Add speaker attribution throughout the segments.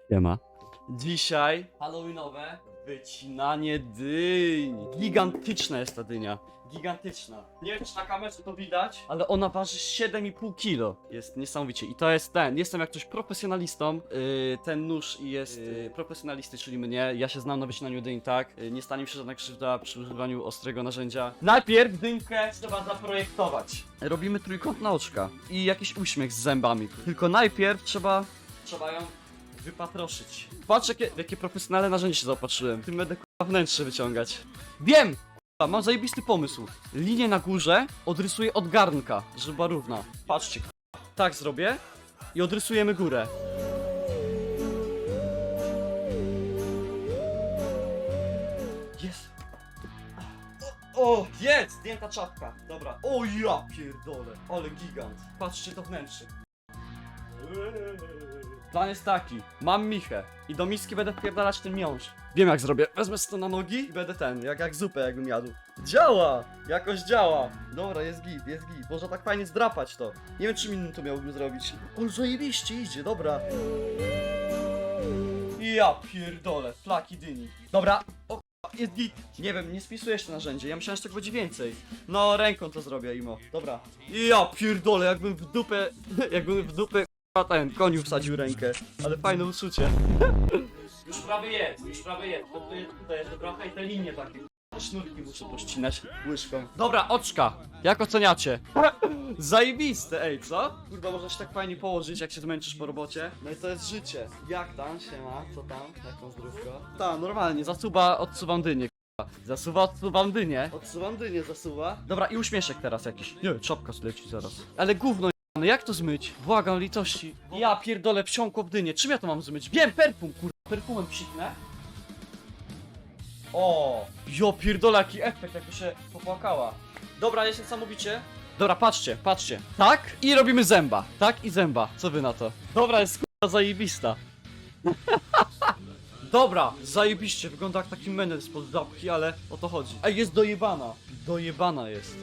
Speaker 1: Siema. Dzisiaj halloweenowe wycinanie dyń. Gigantyczna jest ta dynia. Gigantyczna. Nie wiem, czy na kamerze to widać, ale ona waży 7,5 kg. Jest niesamowicie. I to jest ten. Jestem jak coś profesjonalistą. Ten nóż jest profesjonalisty, czyli mnie. Ja się znam na wycinaniu dyń, tak? Nie stanie mi się żadna krzywda przy używaniu ostrego narzędzia. Najpierw dynkę trzeba zaprojektować. Robimy trójkątne oczka i jakiś uśmiech z zębami. Tylko najpierw trzeba ją wypatroszyć. Patrz jakie profesjonalne narzędzie się zaopatrzyłem. Tym będę k***a wnętrze wyciągać. Wiem! K***a, mam zajebisty pomysł. Linię na górze odrysuję od garnka, żeby była równa. Patrzcie, k***a. Tak zrobię i odrysujemy górę. Jest! O, jest! Zdjęta czapka. Dobra. O ja pierdolę. Ale gigant. Patrzcie to wnętrze. Plan jest taki, mam michę i do miski będę wpierdalać ten miąższ. Wiem jak zrobię, wezmę sobie to na nogi i będę jak zupę jakbym jadł. Działa! Jakoś działa. Dobra, jest git. Można tak fajnie zdrapać to. Nie wiem czym innym to miałbym zrobić. O, zajebiście idzie, dobra. Ja pierdolę, flaki dyni. Dobra, o jest git. Nie wiem, nie spisuję jeszcze narzędzie, ja myślałem, że tego będzie więcej. No, ręką to zrobię, imo. Dobra. Ja pierdolę, jakbym w dupę ten koniu wsadził rękę, ale fajne uczucie. Już prawie jest. To tutaj jest trochę i te linie takie. Sznurki muszę pościnać łyżką. Dobra, oczka. Jak oceniacie? Zajebiste, ej, co? Kurwa, można się tak fajnie położyć, jak się zmęczysz po robocie. No i to jest życie. Jak tam, siema, co tam? Jaką zdrówko? Ta, normalnie, odsuwam dynię. Odsuwam dynię, zasuwa. Dobra, i uśmieszek teraz jakiś. Nie, czapka zleci zaraz. Ale gówno. No jak to zmyć? Błagam litości. Ja pierdolę, wsiąkło w dynię. Czym ja to mam zmyć? Wiem, perfum, kurwa. Perfumem psiknę. O, jo pierdolę, jaki efekt, jakby się popłakała. Dobra, jest niesamowicie. Dobra, patrzcie. Tak i robimy zęba. Tak i zęba. Co wy na to? Dobra, jest kurwa zajebista. Dobra, zajebiście. Wygląda jak taki menel spod zapki, ale o to chodzi. Ej, jest dojebana. Dojebana jest.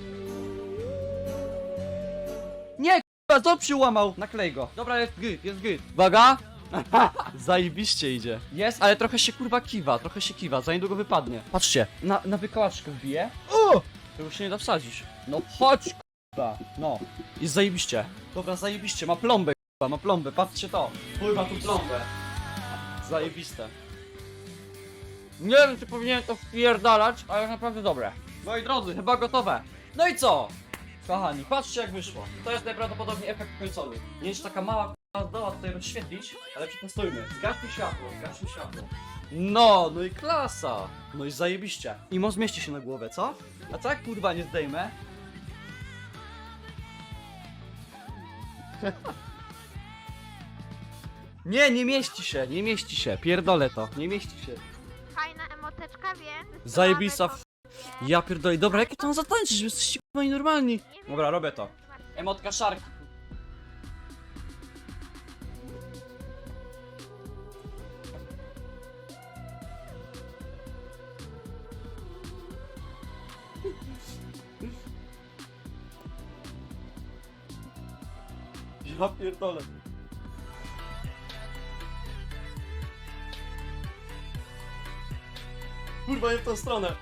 Speaker 1: Nie, ząb się łamał. Naklej go. Dobra, jest git. Uwaga. Zajebiście idzie. Jest, ale trochę się kurwa kiwa, za niedługo wypadnie. Patrzcie, na wykałaczkę wbije. O! To już się nie da wsadzić. No chodź kurwa. No, jest zajebiście. Dobra, zajebiście, ma plombę kurwa, ma plombę, patrzcie to. Pływa tu plombę. Zajebiste. Nie wiem, czy powinienem to wpierdalać, ale naprawdę dobre. Moi drodzy, chyba gotowe. No i co? Kochani, patrzcie jak wyszło. To jest najprawdopodobniej efekt końcowy. Nie jest taka mała k***a zdoła tutaj rozświetlić, ale przetestujmy. Zgaśmy światło. No i klasa. No i zajebiście. I zmieści się na głowę, co? A co jak kurwa nie zdejmę? Nie mieści się. Pierdolę to, nie mieści się.
Speaker 2: Fajna emoteczka, wiem.
Speaker 1: Zajebista Ja pierdolę, dobra, jakie to mam zatańczyć, że jesteście kurwa nienormalni. Dobra, robię to. Emotka szarki. Ja pierdolę. Kurwa, nie w tą stronę.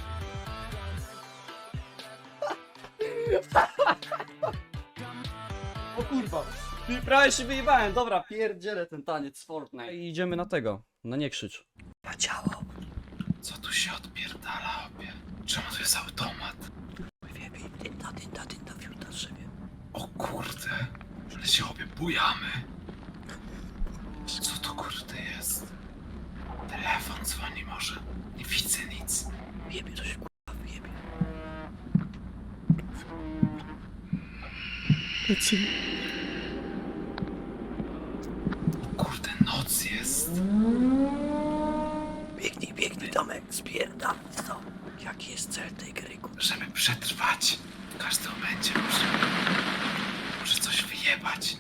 Speaker 1: O kurwa. Prawie się wyjebałem. Dobra, pierdzielę ten taniec z Fortnite. I idziemy na tego. Na nie krzycz. Zadziałał.
Speaker 3: Co tu się odpierdala, obie? Czemu to jest automat?
Speaker 1: Dynda wziął na szybie.
Speaker 3: O kurde, ale się obie bujamy. Co to kurde jest? Telefon dzwoni może. Nie widzę nic.
Speaker 1: Jebie, to się kurwa wyjebie.
Speaker 3: O kurde, noc jest.
Speaker 1: Biegnij Tomek, spierdam to. Jaki jest cel tej gry,
Speaker 3: Żeby przetrwać, w każdym momencie może coś wyjebać.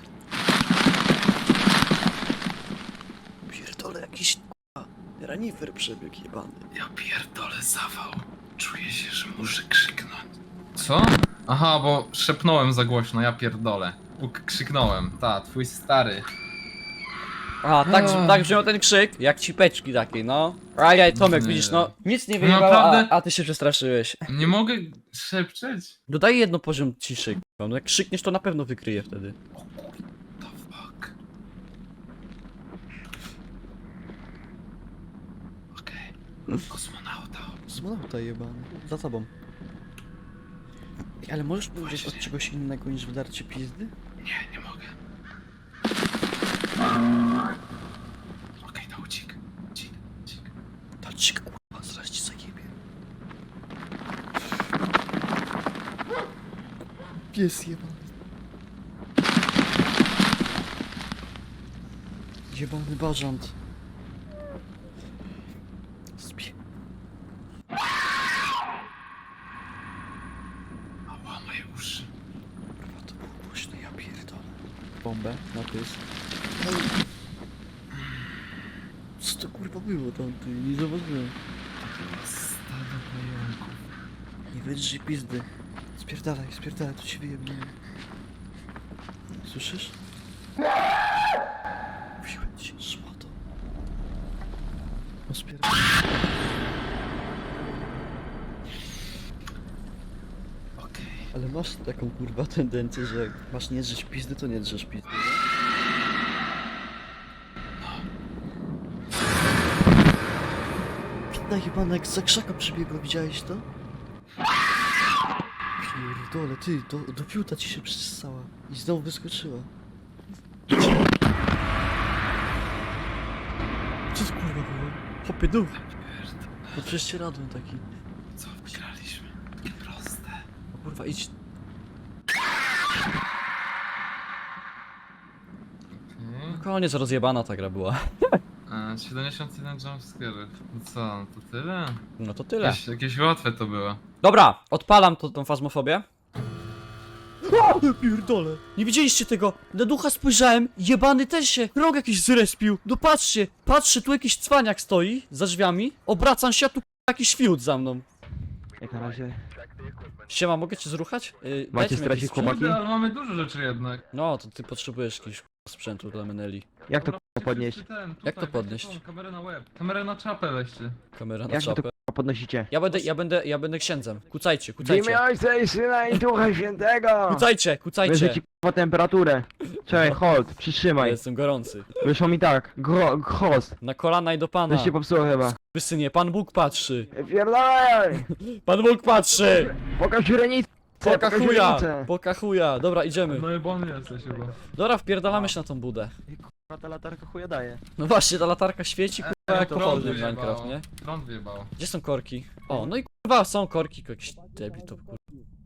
Speaker 1: Pierdolę, jakiś ranifer przebiegł jebany.
Speaker 3: Ja pierdolę zawał. Czuję się, że muszę krzyknąć.
Speaker 4: Co? Aha, bo szepnąłem za głośno, ja pierdolę. Krzyknąłem, twój stary.
Speaker 1: A, tak brzmiał ten krzyk, jak cipeczki takiej, no. Ajaj, Tomek,
Speaker 4: Nie.
Speaker 1: widzisz, no, nic nie
Speaker 4: No
Speaker 1: wyjebało,
Speaker 4: naprawdę?
Speaker 1: a ty się przestraszyłeś.
Speaker 4: Nie mogę szepczeć?
Speaker 1: Dodaj jedno poziom ciszy, k***a. No jak krzykniesz, to na pewno wykryje wtedy.
Speaker 3: The fuck? Okej. Kosmonauta.
Speaker 1: Kosmonauta jebany, za tobą. Ale możesz powiedzieć od czegoś innego niż wydarcie pizdy?
Speaker 3: Nie mogę. Okej, to ucik. Cik.
Speaker 1: To ci kurwa, zaraz ci zajebie. Pies jebany. Jebany bażant. Spie...
Speaker 3: Ała, moje uszy.
Speaker 1: Kurwa, to było głośno, ja pierdolę. Bombę na pys. Co to kurwa było tam, ty? Nie zauważyłem.
Speaker 3: Stado pająków.
Speaker 1: Nie wydrzyj pizdy. Spierdalaj, to ci wyjebnie. Słyszysz? Mówiłem ci, szmato. No spierdalaj.
Speaker 3: Okej.
Speaker 1: Ale masz taką kurwa tendencję, że jak masz nie drzeć pizdy, to nie drzesz pizdy, nie? Pitna jebana jak za krzaka przybiegła, widziałeś to? Pierdole, ty, do piuta ci się przystała i znowu wyskoczyła. Co to kurwa było? Hopie dół. To prześcieradłem taki.
Speaker 3: Co wygraliśmy? Takie proste.
Speaker 1: O kurwa, idź. No koniec, rozjebana ta gra była.
Speaker 4: 71 jumpscare'ów. No co, no to tyle?
Speaker 1: No to tyle.
Speaker 4: Jakieś łatwe to było.
Speaker 1: Dobra, odpalam tą fazmofobię. O, pierdolę. Nie widzieliście tego? Na ducha spojrzałem, jebany też się rąk jakiś zrespił. No patrzę, tu jakiś cwaniak stoi za drzwiami. Obracam się, a tu jakiś fiut za mną.
Speaker 5: Jak na razie.
Speaker 1: Siema, mogę cię zruchać?
Speaker 5: Macie
Speaker 1: dajcie mi
Speaker 5: stracić
Speaker 1: jakiś sprzęt.
Speaker 5: chłopaki?
Speaker 4: Kurde, ale mamy dużo rzeczy jednak.
Speaker 1: No, to ty potrzebujesz jakiegoś sprzętu dla Meneli.
Speaker 5: Jak to
Speaker 4: Dobra,
Speaker 5: podnieść?
Speaker 4: wszyscy ten,
Speaker 1: Jak to
Speaker 4: tutaj,
Speaker 1: podnieść?
Speaker 4: weźcie tą Kamerę na łeb. Kamerę na czapę weźcie.
Speaker 1: Kamera na
Speaker 5: Jak wy to
Speaker 1: czapę.
Speaker 5: podnosicie?
Speaker 1: Ja będę księdzem. Kucajcie.
Speaker 5: W imię Ojca i Syna i Ducha Świętego!
Speaker 1: Kucajcie.
Speaker 5: Wyżej ci k***a temperaturę. Czekaj, hold,
Speaker 1: Ja
Speaker 5: przytrzymaj.
Speaker 1: jestem gorący.
Speaker 5: Wyszło mi tak, host.
Speaker 1: Na kolana i do pana.
Speaker 5: To się popsuło chyba.
Speaker 1: Wysynie, Pan Bóg patrzy.
Speaker 5: Pierdolaj!
Speaker 1: Pan Bóg patrzy!
Speaker 5: Pokaż źrenicę!
Speaker 1: Poka chuja. Dobra, idziemy.
Speaker 4: No i bon jesteś chyba.
Speaker 1: Dobra, wpierdalamy się na tą budę.
Speaker 5: Kurwa, ta latarka chuja daje.
Speaker 1: No właśnie, ta latarka świeci, kurwa, jak
Speaker 4: Prąd
Speaker 1: pochodnie w
Speaker 4: wyjebało.
Speaker 1: Minecraft, nie?
Speaker 4: Prąd wyjebało.
Speaker 1: Gdzie są korki? O, no i kurwa, są korki, jakiś debil to kurwa.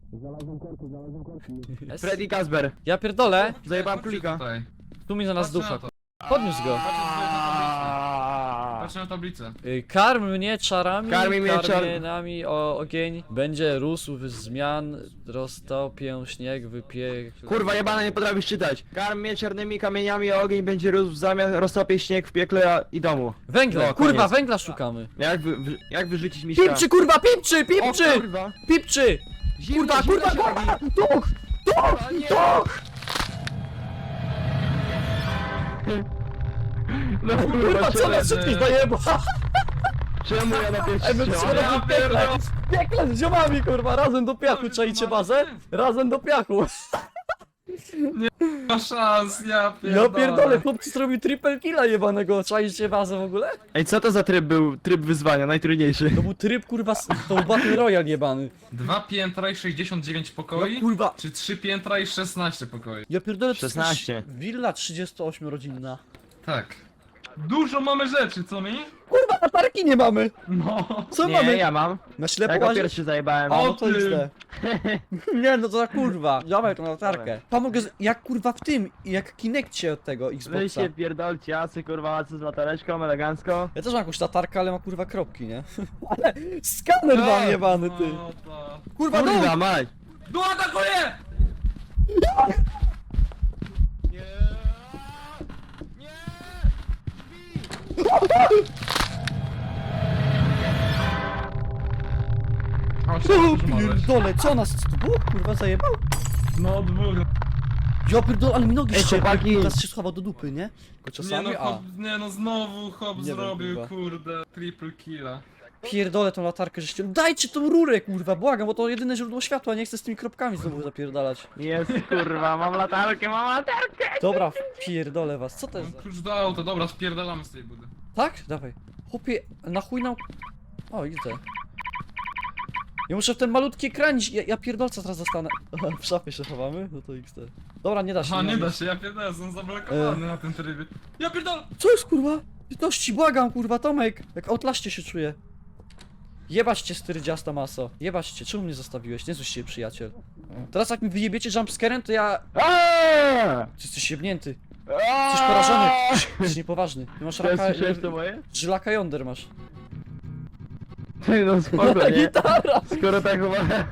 Speaker 1: Jest?
Speaker 5: Freddy Kazber.
Speaker 1: Ja pierdolę,
Speaker 5: Zajebałem
Speaker 4: Patrzcie
Speaker 5: królika.
Speaker 4: tutaj.
Speaker 1: tu mi znalazł
Speaker 4: Patrzcie
Speaker 1: ducha.
Speaker 4: na to.
Speaker 1: Podniósł go.
Speaker 4: Patrzcie na tablicę.
Speaker 1: Karm mnie czarami,
Speaker 5: Karmi mnie
Speaker 1: karmienami o ogień. Będzie rósł z zmian, roztopię śnieg, wypiek...
Speaker 5: Kurwa jebana, nie potrafisz czytać. Karm mnie czarnymi kamieniami, a ogień będzie rósł w zamian, roztopie śnieg w piekle i domu.
Speaker 1: Węgla,
Speaker 5: No,
Speaker 1: kurwa,
Speaker 5: koniec.
Speaker 1: węgla szukamy.
Speaker 5: Jak wyrzucić miśka?
Speaker 1: Pipczy, kurwa, pipczy,
Speaker 5: O
Speaker 1: pipczy,
Speaker 5: kurwa!
Speaker 1: pipczy!
Speaker 5: Zimno,
Speaker 1: Kurwa,
Speaker 5: zimno
Speaker 1: kurwa,
Speaker 5: się
Speaker 1: kurwa!
Speaker 5: robi.
Speaker 1: Duch! Duch! Duch!
Speaker 5: No
Speaker 1: Kurwa, co nas wszystkich zajeba?
Speaker 5: Czemu ja na pierwszy
Speaker 1: Ej, my
Speaker 5: strzał?
Speaker 1: trzeba w piekle! W piekle z ziomami, kurwa, razem do piachu, czajcie bazę? Razem do piachu.
Speaker 4: Ma szans, ja
Speaker 1: Ja pierdolę, chłopcy zrobił triple killa jebanego, czajcie bazę w ogóle?
Speaker 5: Ej, co to za tryb był? Tryb wyzwania, najtrudniejszy.
Speaker 1: To był tryb, kurwa, to był Battle Royale jebany.
Speaker 4: 2 piętra i 69 pokoi?
Speaker 1: No kurwa.
Speaker 4: Czy 3 piętra i 16 pokoi?
Speaker 1: Ja pierdolę, to jest
Speaker 5: 16.
Speaker 1: Willa 38-rodzinna.
Speaker 4: Tak. Dużo mamy rzeczy, co mi?
Speaker 1: Kurwa, latarki nie mamy!
Speaker 4: No.
Speaker 1: Co
Speaker 5: Nie,
Speaker 1: mamy?
Speaker 5: ja mam.
Speaker 1: Na ślepo
Speaker 5: Ja go
Speaker 1: łazisz?
Speaker 5: pierwszy zajebałem.
Speaker 1: A,
Speaker 4: O
Speaker 1: no to
Speaker 4: ty!
Speaker 1: jest te. Nie, no to za kurwa. Dawaj tą latarkę. Pomogę, jak kurwa w tym, jak Kinectie od tego
Speaker 5: Wy
Speaker 1: Xboxa.
Speaker 5: się pierdolcie, jacy kurwa, co z latareczką, elegancko.
Speaker 1: Ja też mam jakąś latarkę, ale ma kurwa kropki, nie? Ale skaner mam jebany, ty.
Speaker 4: No to...
Speaker 1: Kurwa, no!
Speaker 5: Kurwa, mać!
Speaker 4: No atakuje! O,
Speaker 1: O, pierdole, co nas tu było, kurwa, zajebał?
Speaker 4: No dwóch.
Speaker 1: Ja pierdolę, ale mi nogi
Speaker 5: Ej,
Speaker 1: ściekły,
Speaker 5: chłopaki.
Speaker 1: teraz się schował do dupy, nie? Tylko
Speaker 4: Nie
Speaker 1: czasami,
Speaker 4: no, hop, nie no, znowu hop
Speaker 1: Nie wiem,
Speaker 4: zrobił,
Speaker 1: kurwa.
Speaker 4: kurde. Triple killa.
Speaker 1: Pierdolę tą latarkę, żeście... Dajcie tą rurę, kurwa, błagam, bo to jedyne źródło światła, nie chcę z tymi kropkami znowu zapierdalać.
Speaker 5: Jest kurwa, mam latarkę, mam latarkę!
Speaker 1: Dobra, pierdolę was, co to jest
Speaker 4: Mam
Speaker 1: za...
Speaker 4: klucz do auta, dobra, spierdalamy z tej budy.
Speaker 1: Tak? Dawaj. Chłopie, na chuj nam... O, idę. Ja muszę w ten malutki ekranić, ja pierdolca teraz dostanę. W szafie się chowamy? No to XD. Dobra, nie da się.
Speaker 4: Aha, nie
Speaker 1: ma
Speaker 4: da
Speaker 1: nic.
Speaker 4: się, ja pierdolę, jestem zablokowany na tym trybie. Ja pierdolę!
Speaker 1: Co jest kurwa? Litości, błagam kurwa, Tomek! Jak outlaście się czuję. Jebać cię styrdziasta maso. Jebać cię, czemu mnie zostawiłeś? Nie złość się, przyjaciel. Teraz jak mi wyjebiecie jumpscarem, to ja...
Speaker 5: Aaaa!
Speaker 1: Ty jesteś jebnięty. Jesteś porażony. Jesteś niepoważny. Ty masz raka...
Speaker 5: Słyszałeś to moje?
Speaker 1: Żylaka jąder masz.
Speaker 5: Ty no spoko, nie?
Speaker 1: Gitara!
Speaker 5: Skoro tak chyba...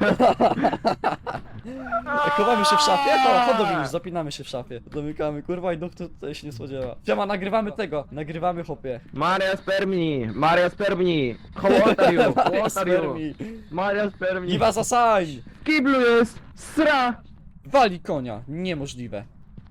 Speaker 1: Chowamy się w szafie? To chodź do mnie, zapinamy się w szafie. Domykamy, kurwa i duch tutaj się nie spodziewa. Siema, nagrywamy tego. Nagrywamy chłopie.
Speaker 5: Maria Spermni! Maria Spermni! How old are you? How old are you?
Speaker 1: Spermi.
Speaker 5: Maria Spermni!
Speaker 1: Iwa zasań!
Speaker 5: W kiblu jest! Sra!
Speaker 1: Wali konia. Niemożliwe.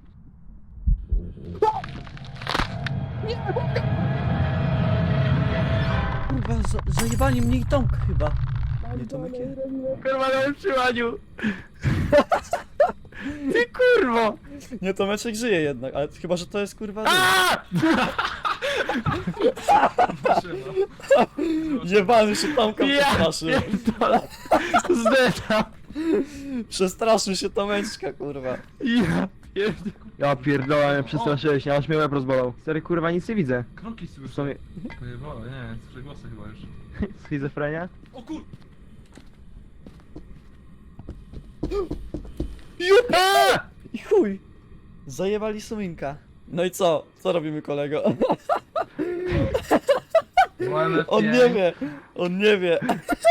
Speaker 1: Kurwa, zajebali mnie i Tomka chyba. Nie Tomek je?
Speaker 5: Kurwa na utrzymaniu! Ty kurwo!
Speaker 1: Nie, Tomeczek żyje jednak, ale chyba, że to jest kurwa...
Speaker 5: Aaaa!
Speaker 1: Jebany się Tomka przestraszył.
Speaker 5: pierdolę! Zdecham!
Speaker 1: Przestraszył się Tomeczka, kurwa.
Speaker 5: Ja pierdolę, mnie przestraszyłeś, aż mnie łeb rozbolał. Stary kurwa, nic nie widzę.
Speaker 4: Kroki
Speaker 5: W
Speaker 4: słyszę.
Speaker 5: sumie...
Speaker 4: Pojebało, nie, słyszę głosy chyba już.
Speaker 5: Schizofrenia?
Speaker 4: O kur...
Speaker 5: Aaaa!
Speaker 1: I chuj! Zajebali suminka. No i co? Co robimy, kolego? On nie wie! On nie wie!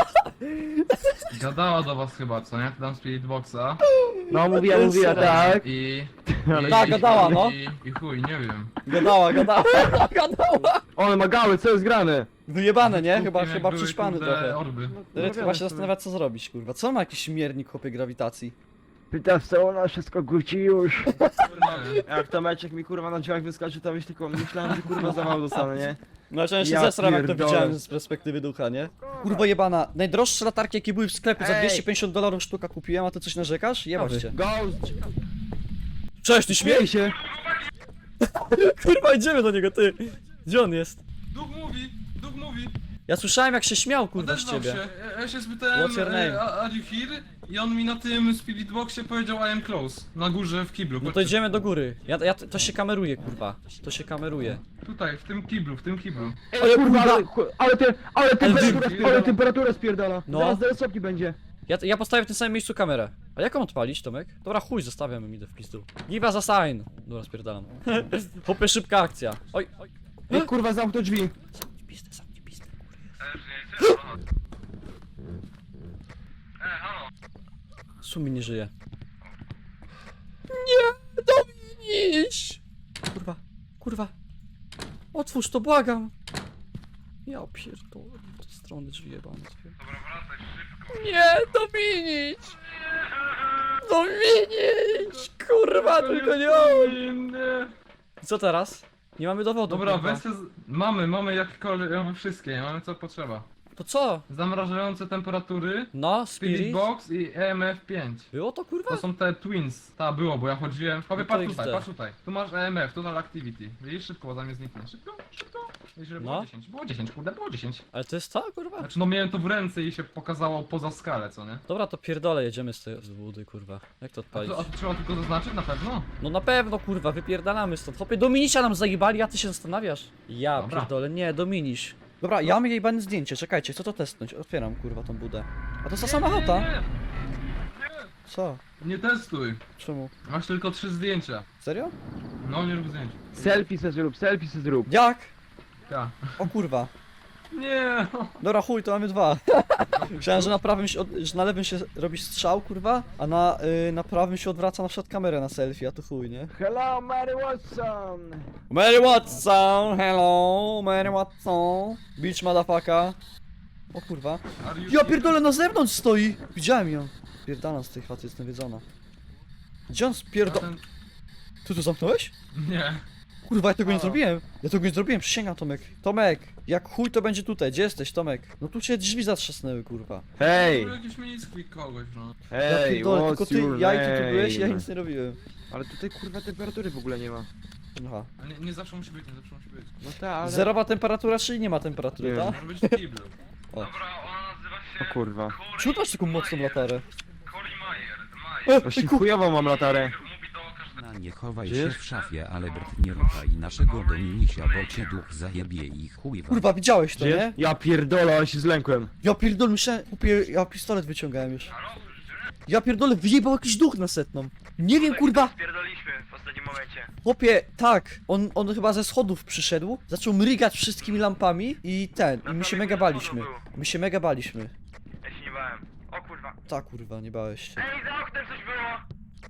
Speaker 4: Gadała do was chyba, co nie? Dam Spirit Boxa.
Speaker 5: No mówiła, tak.
Speaker 1: Tak, gadała, no.
Speaker 4: I chuj, nie wiem.
Speaker 1: Gadała, gadała, gadała!
Speaker 5: One ma gały, co jest grane?
Speaker 1: Wyjebane, nie?
Speaker 4: Kupim, jak
Speaker 1: Chyba
Speaker 4: były,
Speaker 1: przyćpany
Speaker 4: kurde,
Speaker 1: trochę.
Speaker 4: Orby.
Speaker 1: Ryt chyba się zastanawia, co zrobić, kurwa. Co ma jakiś miernik, chłopie, grawitacji?
Speaker 5: Pytasz co ona wszystko guci już.
Speaker 4: Nie.
Speaker 5: Jak to meczek mi kurwa na drzwiach wyskoczy, to myślałem, że kurwa za mało dostanę, nie?
Speaker 1: No ja się
Speaker 5: Ja
Speaker 1: zesram, jak to
Speaker 5: pierdolę.
Speaker 1: widziałem z perspektywy ducha, nie? Kurwa jebana, najdroższe latarki, jakie były w sklepie, za
Speaker 5: Ej.
Speaker 1: $250 sztuka kupiłem, a ty coś narzekasz? Jebać cię.
Speaker 5: Ghost!
Speaker 1: Cześć, ty śmiej!
Speaker 5: Śmiej się!
Speaker 1: Kurwa, idziemy do niego, ty! Gdzie on jest?
Speaker 4: Duch mówi, duch mówi.
Speaker 1: Ja słyszałem, jak się śmiał, kurwa, z
Speaker 4: Odezwał
Speaker 1: ciebie.
Speaker 4: się. Ja się spytałem,
Speaker 1: What's your name?
Speaker 4: are you here? I on mi na tym Spirit Boxie powiedział I am close. Na górze w kiblu.
Speaker 1: No to
Speaker 4: Chodźcie.
Speaker 1: idziemy do góry. To się kameruje, kurwa. To się kameruje.
Speaker 4: Tutaj, w tym kiblu, w tym kiblu.
Speaker 5: Ale kurwa, ale
Speaker 4: temperatura
Speaker 5: temperatura spierdala.
Speaker 1: No.
Speaker 5: Zaraz do sopki będzie.
Speaker 1: Ja postawię w tym samym miejscu kamerę. A jak ją odpalić, Tomek? Dobra, chuj, zostawiam, idę w pizdu. Give us a sign. Dobra, spierdalam. Hopie, szybka akcja. Oj, oj.
Speaker 5: Ej, kurwa, zamknął drzwi.
Speaker 1: Zamknij pizdę, zamknij pizdę. Sumi nie żyje. Nie, Dominiś! Kurwa, kurwa. Otwórz to, błagam. Ja pierdolę, w te strony drzwi jebane. Nie, Dominiś! Dominiś! Kurwa, tylko nie on! Co teraz? Nie mamy dowodu.
Speaker 4: Dobra,
Speaker 1: kurwa.
Speaker 4: weźcie mamy jakiekolwiek, mamy wszystkie, mamy co potrzeba.
Speaker 1: To co?
Speaker 4: Zamrażające temperatury,
Speaker 1: No,
Speaker 4: Spirit
Speaker 1: Spirit?
Speaker 4: Box i EMF 5.
Speaker 1: Było to kurwa?
Speaker 4: To są te twins. Ta było, bo ja chodziłem. Powie,
Speaker 1: No to
Speaker 4: patrz tutaj,
Speaker 1: XD.
Speaker 4: patrz tutaj. Tu masz EMF, Total Activity. Widzisz, szybko, bo zamiast zniknie. Szybko, szybko. Widzisz, że było
Speaker 1: No.
Speaker 4: 10. Było 10, kurde, było 10.
Speaker 1: Ale to jest to, kurwa?
Speaker 4: Znaczy, no miałem to w ręce i się pokazało poza skalę, co nie?
Speaker 1: Dobra, to pierdolę, jedziemy z tej budy, kurwa. Jak to
Speaker 4: A
Speaker 1: odpalić?
Speaker 4: to trzeba tylko zaznaczyć na pewno?
Speaker 1: No na pewno, kurwa, wypierdalamy stąd. Hopie, Dominisia nam zajebali, a ty się zastanawiasz? Ja
Speaker 4: Dobra.
Speaker 1: pierdolę, nie, Dominiś. Dobra, ja mam jebane zdjęcie, czekajcie, chcę to testnąć. Otwieram, kurwa, tą budę. A to jest ta sama chata.
Speaker 4: Nie,
Speaker 1: Co?
Speaker 4: nie testuj.
Speaker 1: Czemu?
Speaker 4: Masz tylko 3 zdjęcia.
Speaker 1: Serio?
Speaker 4: No, nie rób zdjęć.
Speaker 5: Selfie se zrób, selfie se zrób.
Speaker 1: Jak?
Speaker 4: Ja.
Speaker 1: O kurwa.
Speaker 4: Nie.
Speaker 1: Dobra, chuj, to mamy dwa. Myślałem, że na prawym się, że na lewym się robi strzał, kurwa, a na prawym się odwraca na przykład kamerę na selfie, a to chuj, nie?
Speaker 5: Hello, Mary Watson!
Speaker 1: Mary Watson, hello, Mary Watson, bitch motherfucker. O kurwa.
Speaker 4: Are you
Speaker 1: Ja pierdolę, na zewnątrz stoi! Widziałem ją. Pierdala z tej chaty, jest nawiedzona. Gdzie on
Speaker 4: A
Speaker 1: spierdol...
Speaker 4: ten-
Speaker 1: Ty to zamknąłeś?
Speaker 4: Nie.
Speaker 1: Kurwa, ja tego nie
Speaker 4: Halo.
Speaker 1: zrobiłem. Ja tego nie zrobiłem, przysięgam, Tomek. Tomek, jak chuj to będzie tutaj. Gdzie jesteś, Tomek? No tu cię drzwi zatrzasnęły, kurwa.
Speaker 5: Hej!
Speaker 4: To jakiś misklik kogoś, no.
Speaker 1: Ja
Speaker 5: Hej,
Speaker 1: pierdolę, tylko
Speaker 5: what's
Speaker 1: ty,
Speaker 5: your
Speaker 1: ja i ty tu byłeś, ja
Speaker 5: name?
Speaker 1: nic nie robiłem.
Speaker 5: Ale tutaj kurwa temperatury w ogóle nie ma.
Speaker 1: Aha.
Speaker 4: A nie zawsze musi być, nie zawsze musi być.
Speaker 5: No tak, ale...
Speaker 1: Zerowa temperatura, czyli nie ma temperatury,
Speaker 5: Nie.
Speaker 1: tak?
Speaker 4: Może być w kiblu.
Speaker 1: O.
Speaker 4: Dobra, ona nazywa się...
Speaker 5: O kurwa.
Speaker 1: Czemu masz taką mocną latarę?
Speaker 4: Coli Mayer.
Speaker 1: Ty
Speaker 5: Właśnie chujową mam latarę.
Speaker 4: Mówi do każdego...
Speaker 6: Na nie chowaj
Speaker 5: Żyjesz?
Speaker 6: się w szafie, ale Bert nie ruchaj naszego Dominisia, bo cię duch zajebie i chuj wam.
Speaker 1: Kurwa, widziałeś to,
Speaker 5: Żyjesz?
Speaker 1: nie?
Speaker 5: Ja pierdolę, ale się zlękłem.
Speaker 1: Ja pierdolę, myślałem, chłopie, ja pistolet wyciągałem już. Ja pierdolę, wyjebał jakiś duch na setną. Nie wiem, kurwa.
Speaker 7: Spierdoliśmy w ostatnim momencie.
Speaker 1: Chłopie, tak, on chyba ze schodów przyszedł, zaczął mrygać wszystkimi lampami i my się mega baliśmy. My się mega baliśmy.
Speaker 7: Ja się nie bałem. O kurwa.
Speaker 1: Tak, kurwa, nie bałeś się.
Speaker 7: Ej, za oknem coś było!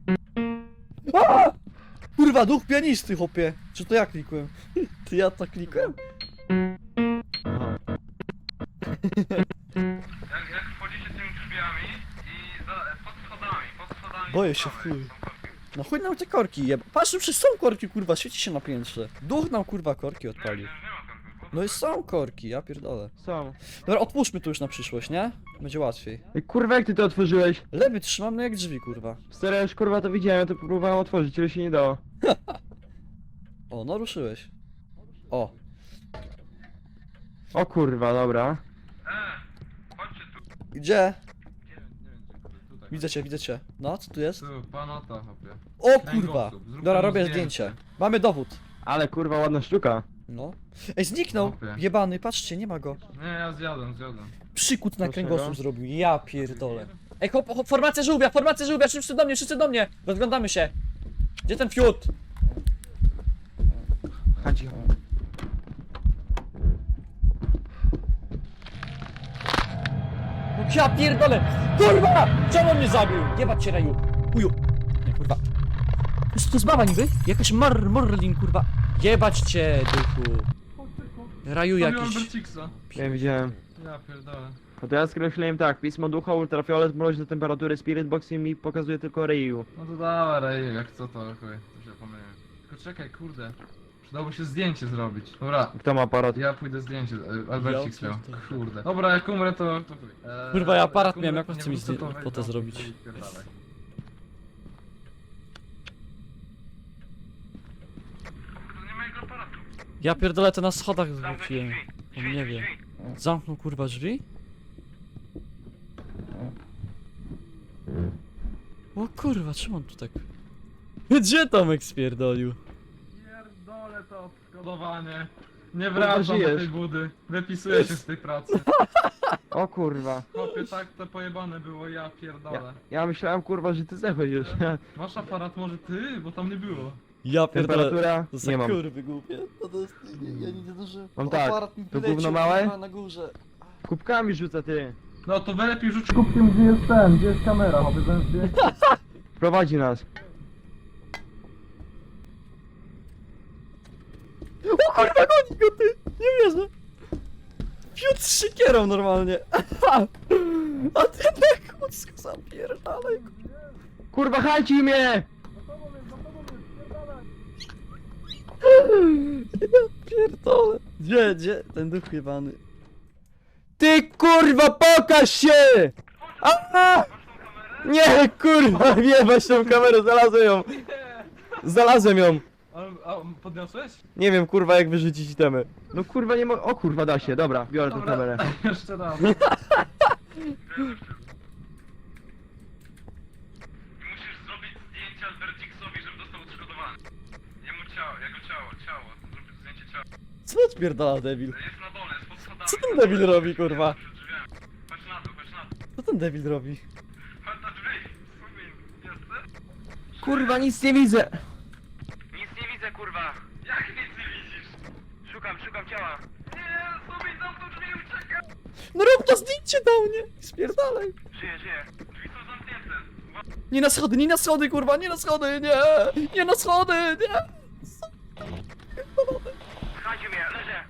Speaker 1: A! Kurwa, duch pianisty, chłopie. Czy to ja klikłem? Ty ja to klikłem?
Speaker 5: Aha.
Speaker 4: Jak wchodzicie tymi drzwiami i pod schodami...
Speaker 1: Boję się,
Speaker 4: po prawej
Speaker 1: chuj.
Speaker 4: są korki.
Speaker 1: No chuj nam te korki jeb. Patrz, przecież są korki, kurwa, świeci się na piętrze. Duch nam, kurwa, korki odpalił.
Speaker 4: Nie ma korków.
Speaker 1: No i są korki, ja pierdolę.
Speaker 5: Są.
Speaker 1: Dobra, otwórzmy to już na przyszłość, nie? Będzie łatwiej.
Speaker 5: Ej, kurwa, jak ty to otworzyłeś?
Speaker 1: Lewy trzymam, no jak drzwi, kurwa.
Speaker 5: Stary, już kurwa to widziałem, ja to próbowałem otworzyć, ale się nie dało.
Speaker 1: O, no ruszyłeś. O,
Speaker 5: O kurwa, dobra.
Speaker 4: Chodźcie tu.
Speaker 1: gdzie?
Speaker 4: Nie wiem, tutaj.
Speaker 1: Widzę cię. No, co tu jest?
Speaker 4: Tu, panota, hopie.
Speaker 1: O kurwa!
Speaker 4: Kręgosłup. Zrób
Speaker 1: Dobra,
Speaker 4: temu
Speaker 1: robię
Speaker 4: zdjęcie.
Speaker 1: zdjęcie. Mamy dowód.
Speaker 5: Ale kurwa, ładna sztuka.
Speaker 1: No. Ej, zniknął!
Speaker 4: Chłopie.
Speaker 1: Jebany, patrzcie, nie ma go.
Speaker 4: Nie, ja zjadłem.
Speaker 1: Przykut na
Speaker 5: Dlaczego?
Speaker 1: kręgosłup zrobił, ja pierdolę. Ej, hop, formacja żółwia, wszyscy do mnie! Rozglądamy się. Gdzie ten fiut?
Speaker 5: Chodzi.
Speaker 1: No ja pierdolę! Kurwa! Czemu on mnie zabił? Jebać cię, Raju. Chuju. Nie, kurwa. Co to jest baba niby? Jakaś Morlin, kurwa. Jebać cię, duchu. Raju jakiś.
Speaker 4: Berciksa.
Speaker 5: Nie widziałem.
Speaker 4: Ja pierdolę.
Speaker 5: No to ja skreśliłem tak, pismo ducha, ultrafiolet, mroźne temperatury, spirit box mi pokazuje tylko Ryu.
Speaker 4: No to dawaj, Rej, jak co to, chuj. To się pomyliłem. Tylko czekaj, kurde. Przydałoby się zdjęcie zrobić. Dobra,
Speaker 5: Kto ma aparat?
Speaker 4: ja pójdę zdjęcie. Albercik
Speaker 1: Ja
Speaker 4: miał.
Speaker 1: pierdolę.
Speaker 4: Kurde. Dobra, jak umrę to chuj.
Speaker 1: Kurwa, ja aparat
Speaker 4: jak
Speaker 1: miałem,
Speaker 4: umrę,
Speaker 1: jak on
Speaker 4: nie
Speaker 1: chce mi
Speaker 4: wrócę, to
Speaker 1: fotę
Speaker 4: weź, no,
Speaker 1: zrobić?
Speaker 4: i pierdalaj. Kurde, nie ma jego aparatu.
Speaker 1: Ja pierdolę, to na schodach
Speaker 7: Zamknąć
Speaker 1: zwróciłem.
Speaker 7: drzwi.
Speaker 1: On
Speaker 7: Drzwi,
Speaker 1: nie wie.
Speaker 7: drzwi.
Speaker 1: Zamknął kurwa drzwi? O kurwa, czemu on tu tak... Gdzie Tomek spierdolił?
Speaker 4: Pierdolę to odszkodowanie. Nie
Speaker 5: Kurwa,
Speaker 4: wracam do
Speaker 5: żyjesz.
Speaker 4: tej budy. Wypisuję się z tej pracy.
Speaker 5: O kurwa.
Speaker 4: Chłopie, tak to pojebane było, ja pierdolę.
Speaker 5: Ja myślałem kurwa, że ty zachodzisz.
Speaker 4: Masz aparat może ty? Bo tam nie było.
Speaker 1: Ja pierdolę.
Speaker 5: Temperatura?
Speaker 1: To za
Speaker 5: Nie mam.
Speaker 1: kurwy głupie. To jest... Ja nie zdążyłem.
Speaker 5: Mam tak,
Speaker 1: Aparat mi
Speaker 5: to
Speaker 1: wyleciał,
Speaker 5: gówno małe?
Speaker 1: kurwa, na górze.
Speaker 5: Kubkami rzuca ty.
Speaker 4: No to lepiej rzuć kubkiem, gdzie jest ten, gdzie jest kamera, chłopie, ten zdjęcie.
Speaker 5: Prowadzi nas.
Speaker 1: O kurwa, goni go ty! Nie wierzę. Fiut z szykierą normalnie. A ten na kucku zapierdalaj.
Speaker 5: Kurwa, chajci mnie!
Speaker 1: Ja pierdolę. Gdzie? Ten duch jebany.
Speaker 5: Ty kurwa, pokaż się! A! Nie, kurwa, wiebać tą kamerę, znalazłem ją. Znalazłem ją.
Speaker 4: A podniosłeś?
Speaker 5: Nie wiem, kurwa, jak wyrzucić itemy. No kurwa, nie mogę. O kurwa, da się, dobra, biorę tą
Speaker 4: Dobra.
Speaker 5: kamerę.
Speaker 4: Jeszcze raz. Musisz zrobić zdjęcie Alberciksowi, żeby dostał odszkodowany. Jemu ciało, jego ciało. Zrobić zdjęcie ciała.
Speaker 1: Co odpierdala debil?
Speaker 4: Jest na dole, jest pod schodami.
Speaker 1: Co ten debil robi, kurwa?
Speaker 4: Przed drzwiami. Chodź na dół.
Speaker 1: Co ten debil robi?
Speaker 4: Chodź na drzwi. Sumin, jesteś?
Speaker 5: Kurwa, nic nie widzę.
Speaker 7: Nic nie widzę, kurwa.
Speaker 4: Jak nic nie widzisz?
Speaker 7: Szukam ciała.
Speaker 4: Nie, Sumin, zamknął drzwi, uciekaj!
Speaker 1: No rób to zdjęcie do mnie! Spierdalaj!
Speaker 7: Żyję.
Speaker 4: Drzwi są zamknięte.
Speaker 1: Nie na schody, kurwa, nie na schody, nie! Nie na schody, nie!
Speaker 7: Słuchajcie mnie, leżę.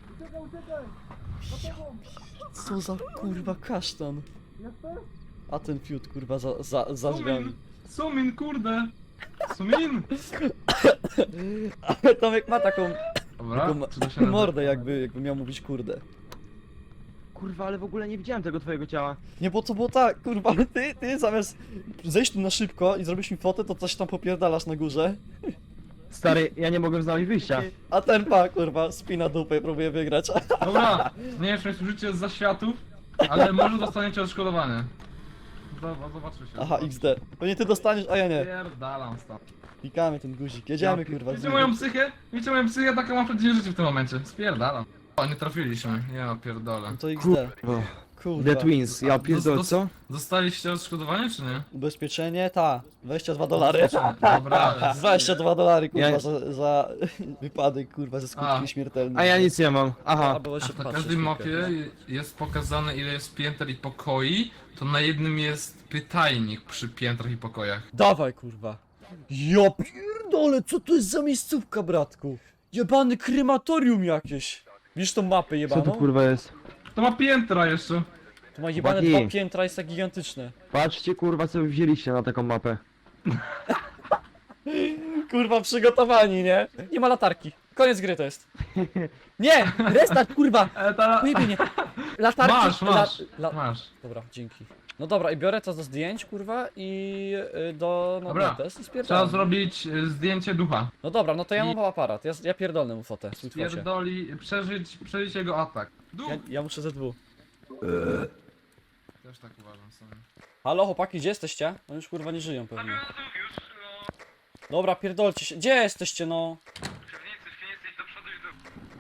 Speaker 1: Co za kurwa kasztan? A ten fiut, kurwa, za drzwiami.
Speaker 4: Sumin, kurde. Sumin!
Speaker 1: Ale Tomek ma taką
Speaker 3: Dobra, czy to się
Speaker 1: mordę, jakby miał mówić kurde.
Speaker 5: Kurwa, ale w ogóle nie widziałem tego twojego ciała.
Speaker 1: Nie, bo to było tak, kurwa, ty zamiast zejść tu na szybko i zrobić mi fotę, to coś tam popierdalasz na górze.
Speaker 5: Stary, ja nie mogłem znaleźć wyjścia.
Speaker 1: A ten pa, kurwa, spina dupę i próbuje wygrać.
Speaker 3: Dobra, nie wiem, czy służycie z zaświatów, ale może dostaniecie odszkodowanie. Zobaczymy się.
Speaker 1: Aha, XD. Pewnie ty dostaniesz, a ja nie.
Speaker 3: Pierdalam stąd.
Speaker 1: Klikamy ten guzik, jedziemy, kurwa.
Speaker 3: Wiecie moją psychę? Wiecie moją psychę? Taką mam przed życiu w tym momencie. Spierdalam. O, nie trafiliśmy. Ja pierdolę.
Speaker 1: No to XD.
Speaker 5: Kurwa.
Speaker 1: Kurwa.
Speaker 5: The Twins, ja pierdolę, co?
Speaker 3: Dostaliście odszkodowanie, czy nie?
Speaker 1: Ubezpieczenie? Ta. $22.
Speaker 3: Dobra.
Speaker 1: $22, kurwa,
Speaker 5: Ja-
Speaker 1: za wypadek, kurwa, ze skutkiem
Speaker 3: A.
Speaker 1: śmiertelnym.
Speaker 5: A ja nic nie mam. Aha.
Speaker 1: A, było się
Speaker 3: Na
Speaker 1: patrzeć
Speaker 3: każdej
Speaker 1: chwilkę.
Speaker 3: mapie jest pokazane, ile jest pięter i pokoi, to na jednym jest pytajnik przy piętrach i pokojach.
Speaker 1: Dawaj, kurwa. Ja pierdolę, co to jest za miejscówka, bratku? Jebany krematorium jakieś. Widzisz tą mapę
Speaker 5: Co
Speaker 1: jebaną?
Speaker 5: to kurwa jest?
Speaker 3: To ma piętra jeszcze.
Speaker 1: To ma jebane
Speaker 5: Chłopaki.
Speaker 1: 2 piętra, jest tak gigantyczne.
Speaker 5: Patrzcie kurwa, co wy wzięliście na taką mapę.
Speaker 1: Kurwa, przygotowani, nie? Nie ma latarki. Koniec gry to jest. Nie! Restart, kurwa!
Speaker 3: Ta...
Speaker 1: Pojebie nie. Latarki...
Speaker 3: Masz.
Speaker 1: La...
Speaker 3: Masz.
Speaker 1: Dobra, dzięki. No dobra, i biorę to do zdjęć, kurwa, i do
Speaker 3: Dobra.
Speaker 1: notes i
Speaker 3: Trzeba
Speaker 1: spierdalam.
Speaker 3: zrobić zdjęcie ducha.
Speaker 1: No dobra, no to ja mam aparat, ja pierdolę mu fotę. Sweet focie.
Speaker 3: Pierdoli, przeżyć jego atak. Duch!
Speaker 1: Ja muszę ZW.
Speaker 3: Też tak uważam sobie.
Speaker 1: Halo, chłopaki, gdzie jesteście? Oni już kurwa nie żyją pewnie.
Speaker 4: Zabiłem znów już, no.
Speaker 1: Dobra, pierdolcie się. Gdzie jesteście, no?
Speaker 4: W piwnicy idź do przodu i do...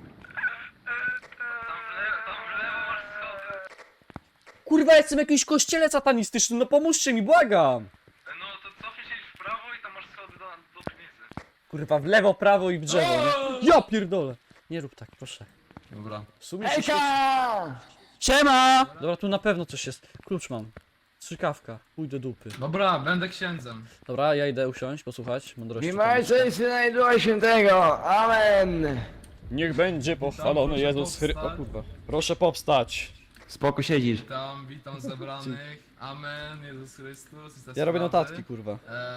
Speaker 4: Tam w lewo masz schody.
Speaker 1: Kurwa, jestem w jakimś kościele satanistycznym, no pomóżcie mi, błagam!
Speaker 4: No to cofnij się w prawo i tam masz schody do piwnicy.
Speaker 1: Kurwa, w lewo, prawo i w drzewo, nie? Ja pierdolę! Nie rób tak, proszę.
Speaker 3: Dobra.
Speaker 1: W sumie się Siema! Dobra, tu na pewno coś jest. Klucz mam. Strzykawka. Pójdź do dupy.
Speaker 3: Dobra, będę księdzem.
Speaker 1: Dobra, ja idę usiąść, posłuchać mądrości.
Speaker 5: Trzymajcie się Ducha Świętego, amen!
Speaker 1: Niech będzie pochwalony
Speaker 3: Proszę
Speaker 1: Jezus Chrystus. O
Speaker 3: powstać.
Speaker 1: kurwa. Proszę powstać.
Speaker 5: Spoko siedzisz.
Speaker 3: Witam zebranych. Amen, Jezus Chrystus. i te
Speaker 1: Ja robię
Speaker 3: sprawy.
Speaker 1: notatki, kurwa.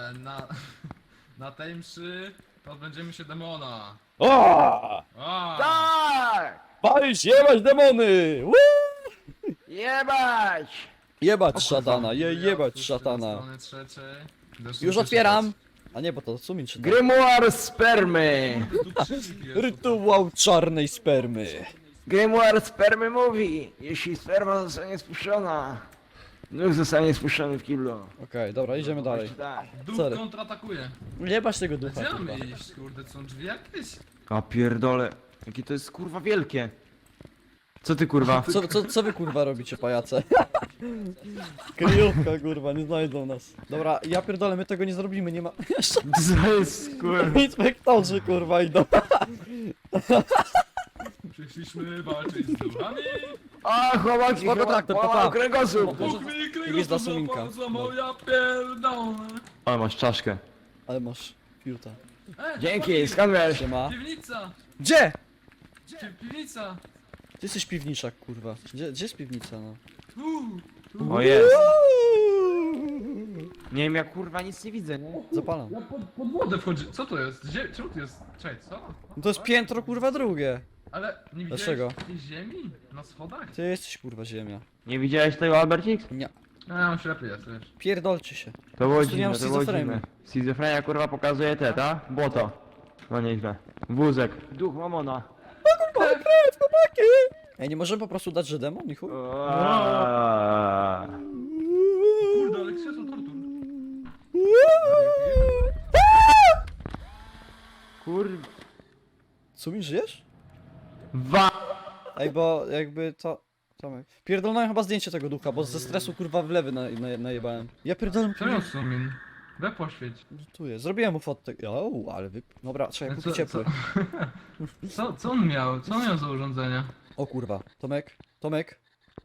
Speaker 3: Na tej mszy pozbędziemy się demona.
Speaker 1: O!
Speaker 3: A,
Speaker 5: Tak!
Speaker 1: Palić, jebać demony! Woo!
Speaker 5: Jebać!
Speaker 1: Jebać szatana, jebać
Speaker 3: tu
Speaker 1: szatana.
Speaker 3: strony trzeciej. Zresztą
Speaker 1: Już
Speaker 3: się
Speaker 1: otwieram! A nie, bo to sumin czyta.
Speaker 5: Grimoire spermy!
Speaker 3: czytać. Tu krzyżyk jest.
Speaker 1: Rytuał czarnej spermy.
Speaker 5: Grimoire spermy mówi, jeśli sperma zostanie spuszczona, duch zostanie spuszczony w kiblu.
Speaker 1: Okej, dobra, idziemy dalej.
Speaker 5: Tak.
Speaker 3: Duch
Speaker 1: Sorry.
Speaker 3: kontratakuje.
Speaker 1: Jebać tego ducha,
Speaker 3: Gdzie
Speaker 1: kurwa.
Speaker 3: mamy iść, kurde, są drzwi jakieś?
Speaker 5: A pierdole, jakie to jest kurwa wielkie. Co ty kurwa?
Speaker 1: Co wy kurwa robicie, pajace? Kryjówka kurwa, nie znajdą nas. Dobra, ja pierdolę, my tego nie zrobimy, nie ma... Jeszcze
Speaker 5: Co jest kurwa?
Speaker 1: inspektorzy kurwa idą.
Speaker 3: Przyszliśmy walczyć z duchami.
Speaker 5: A chłopaki,
Speaker 1: Spoko
Speaker 5: chyba
Speaker 1: traktor,
Speaker 5: połamał
Speaker 1: papa.
Speaker 5: kręgosłup.
Speaker 1: Może-
Speaker 3: Bóg mi
Speaker 1: jest za
Speaker 3: kręgosłup
Speaker 1: suminka.
Speaker 3: złapał, za moja pierdolę.
Speaker 5: Ale masz czaszkę.
Speaker 1: Ale masz fiuta.
Speaker 5: Dzięki, skąd wiesz?
Speaker 1: Siema.
Speaker 3: Piwnica!
Speaker 1: Gdzie?
Speaker 3: Piwnica!
Speaker 1: Ty jesteś piwniczak kurwa. Gdzie jest piwnica, no?
Speaker 3: Tu.
Speaker 5: O jest. Nie wiem, ja kurwa nic nie widzę, nie?
Speaker 1: Zapalam.
Speaker 3: Ja pod wodę wchodzi. Co to jest? Czemu tu jest? Czekaj, co?
Speaker 1: No to jest piętro kurwa drugie.
Speaker 3: Ale nie widziałeś
Speaker 1: Dlaczego?
Speaker 3: tej ziemi? Na schodach?
Speaker 1: Ty jesteś kurwa ziemia.
Speaker 5: Nie widziałeś tego, Albercik?
Speaker 1: Nie.
Speaker 3: A, ślepy jest, wiesz.
Speaker 1: Pierdolcie się.
Speaker 5: To było
Speaker 1: prostu nie mam
Speaker 5: dziwne, to było
Speaker 1: schizofrenii.
Speaker 5: dziwne. Schizofrenia kurwa pokazuje te, ta? Błoto. No nieźle. Wózek. Duch mamona.
Speaker 1: Ej, nie możemy po prostu dać, że demon i chuj?
Speaker 5: Aaaa.
Speaker 3: Kurde, ale krzesło tortur.
Speaker 5: Kurwa.
Speaker 1: Sumin, żyjesz?
Speaker 5: Wa.
Speaker 1: Ej, bo jakby to... Tomek. Pierdolnąłem chyba zdjęcie tego ducha, bo ze stresu kurwa wlewy najebałem. Ja pierdolę...
Speaker 3: Co miał sumin? We poświeć.
Speaker 1: Tu jest. Zrobiłem mu fotę. O, ale wy... Dobra, trzeba kupić ciepły.
Speaker 3: Co on miał? Co on miał za urządzenie?
Speaker 1: O kurwa. Tomek. Tomek.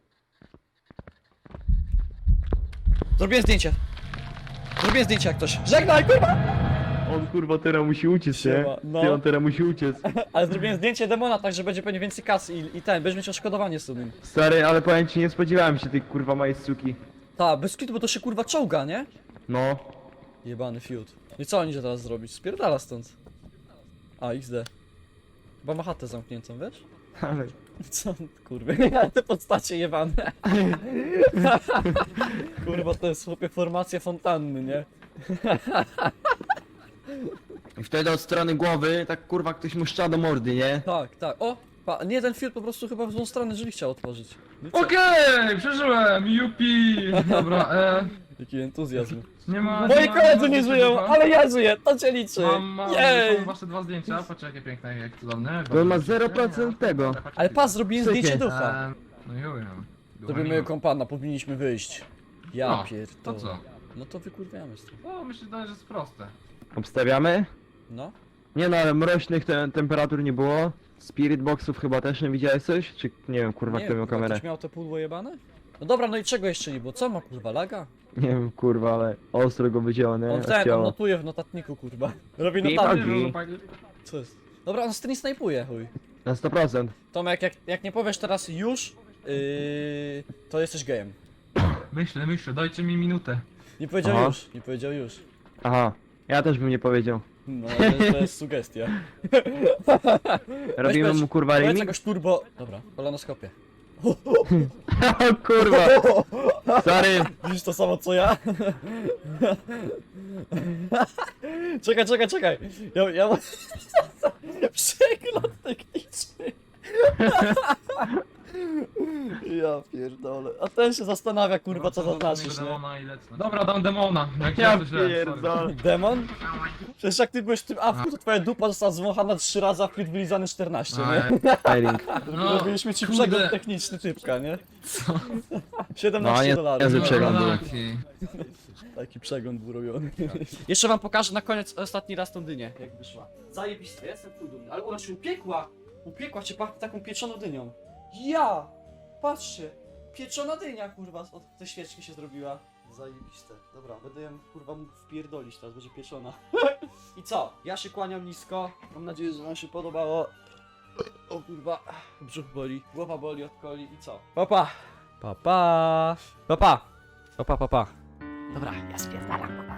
Speaker 1: Zrobiłem zdjęcie. Zrobiłem zdjęcie jak ktoś. Żegnaj kurwa!
Speaker 5: On kurwa teraz musi uciec, nie?
Speaker 1: Siema, no.
Speaker 5: Ty, on teraz musi uciec.
Speaker 1: Ale zrobiłem zdjęcie demona, tak że będzie pewnie więcej kasy i ten, będziesz mieć odszkodowanie z tym.
Speaker 5: Stary, ale powiem ci, nie spodziewałem się tej kurwa małej suki.
Speaker 1: Ta, bez kitu, bo to się kurwa czołga, nie?
Speaker 5: No.
Speaker 1: Jebany fiut. I co on idzie teraz zrobić? Spierdala stąd. A, XD. Chyba ma chatę zamkniętą, wiesz?
Speaker 5: Ale...
Speaker 1: Co? Kurwa, te postacie jebane. Kurwa, to jest chłopie formacja fontanny, nie?
Speaker 5: I wtedy od strony głowy, tak kurwa ktoś mu szcza do mordy, nie?
Speaker 1: Tak, tak. O! Nie, ten film po prostu chyba w złą stronę drzwi chciał otworzyć. No co?
Speaker 3: Okej, przeżyłem, jupi! Dobra,
Speaker 1: Jaki entuzjazm.
Speaker 3: nie ma...
Speaker 1: Moi
Speaker 3: ma-
Speaker 1: koledzy
Speaker 3: ma-
Speaker 1: nie
Speaker 3: ma-
Speaker 1: żyją,
Speaker 3: ma-
Speaker 1: ale ja żyję, to cię liczy.
Speaker 3: Mam
Speaker 1: Jej!
Speaker 3: wasze 2 zdjęcia, patrzcie jakie piękne, jak cudowne.
Speaker 5: Bo ma 0% tego.
Speaker 1: Ale pas, zrobiłem
Speaker 5: Sykie.
Speaker 1: zdjęcie ducha.
Speaker 3: No juję.
Speaker 1: Zrobimy kompana, powinniśmy wyjść. Ja
Speaker 3: No,
Speaker 1: pierdolę.
Speaker 3: to co?
Speaker 1: No to wykurwiamy stąd.
Speaker 3: O, myślę, że jest proste.
Speaker 5: Obstawiamy?
Speaker 1: No.
Speaker 5: Nie no, ale mroźnych temperatur nie było. Spirit boxów chyba też nie widziałeś coś? Czy nie wiem, kurwa,
Speaker 1: Nie
Speaker 5: kto
Speaker 1: wiem,
Speaker 5: miał
Speaker 1: kurwa,
Speaker 5: kamerę?
Speaker 1: ktoś miał te pudło jebane? No dobra, no i czego jeszcze nie było? Co ma kurwa, laga?
Speaker 5: Nie wiem, kurwa, ale ostro go wycięło, nie?
Speaker 1: On ten, on
Speaker 5: Odcięło.
Speaker 1: notuje w notatniku, kurwa. Robi
Speaker 5: Pip,
Speaker 1: notatnik.
Speaker 5: Nogi.
Speaker 1: Co jest? Dobra, on z tym nie snajpuje, chuj.
Speaker 5: Na 100%.
Speaker 1: Tomek, jak nie powiesz teraz już, to jesteś gejem.
Speaker 3: Myślę, dajcie mi minutę.
Speaker 1: Nie powiedział
Speaker 5: Aha.
Speaker 1: już, nie powiedział już.
Speaker 5: Aha, ja też bym nie powiedział.
Speaker 1: No, to jest sugestia.
Speaker 5: Robimy
Speaker 1: powiedz-
Speaker 5: mu kurwa
Speaker 1: Powiedz
Speaker 5: remix?
Speaker 1: jakoś turbo... Dobra, kolonoskopię.
Speaker 5: O kurwa! Sorry!
Speaker 1: Widzisz to samo co ja? Czekaj. Ja mam... Przegląd techniczny. Ja pierdolę. A ten się zastanawia, kurwa, co zaznaczysz, nie?
Speaker 3: Demona i lecę. Dobra, dam demona. Jak
Speaker 5: Ja
Speaker 3: to źle, sorry.
Speaker 5: pierdolę.
Speaker 1: Demon? Przecież jak ty byłeś w tym awku, to twoja dupa została zwąchana 3 razy, a wpit wylizany 14, nie?
Speaker 5: Firing.
Speaker 3: No,
Speaker 1: Robiliśmy ci
Speaker 3: kurde.
Speaker 1: przegląd techniczny typka, nie?
Speaker 3: Co?
Speaker 1: 17
Speaker 5: No,
Speaker 1: dolarów.
Speaker 5: niezły
Speaker 1: No,
Speaker 5: przegląd był.
Speaker 3: Taki.
Speaker 1: Taki przegląd był robiony. Jeszcze wam pokażę na koniec ostatni raz tą dynię, jak wyszła. Zajebiste, jestem chuj dumny. Ale ona się upiekła! Upiekła cię pachnie taką pieczoną dynią. Ja! Patrzcie! Pieczona dynia, kurwa, od tej świeczki się zrobiła. Zajebiste. Dobra, będę ją, kurwa, mógł wpierdolić teraz, będzie pieczona. I co? Ja się kłaniam nisko. Mam nadzieję, że wam się podobało. O kurwa, brzuch boli, głowa boli od coli i co? Papa! Papa! Papa! Papa, papa. Dobra, ja spierdalam, papa.